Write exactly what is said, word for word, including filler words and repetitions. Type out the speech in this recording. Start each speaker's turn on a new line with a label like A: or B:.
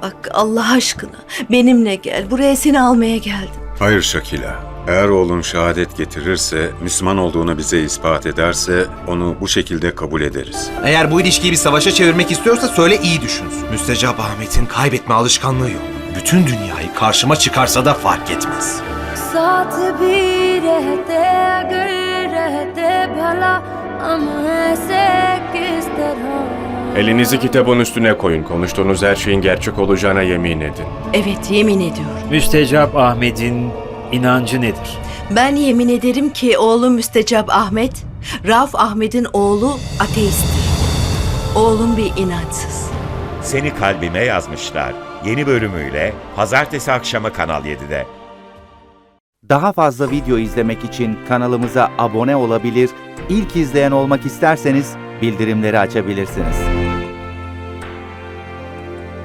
A: Bak Allah aşkına benimle gel. Buraya seni almaya geldim.
B: Hayır Şakila. Eğer oğlun şehadet getirirse, Müslüman olduğunu bize ispat ederse onu bu şekilde kabul ederiz.
C: Eğer bu ilişkiyi bir savaşa çevirmek istiyorsa söyle, iyi düşünsün. Müstecap Ahmet'in kaybetme alışkanlığı yok. Bütün dünyayı karşıma çıkarsa da fark etmez.
D: साथ भी रहते अगर रहते भला हम ऐसे किस तरह.
E: Elinizi kitabın üstüne koyun. Konuştuğunuz her şeyin gerçek olacağına yemin edin.
A: Evet, yemin ediyorum.
F: Müstecap Ahmet'in inancı nedir?
A: Ben yemin ederim ki oğlum Müstecap Ahmet, Rauf Ahmet'in oğlu ateisttir. Oğlum bir inançsız.
G: Seni Kalbime Yazmışlar yeni bölümüyle pazartesi akşamı Kanal yedide.
H: Daha fazla video izlemek için kanalımıza abone olabilir, ilk izleyen olmak isterseniz bildirimleri açabilirsiniz.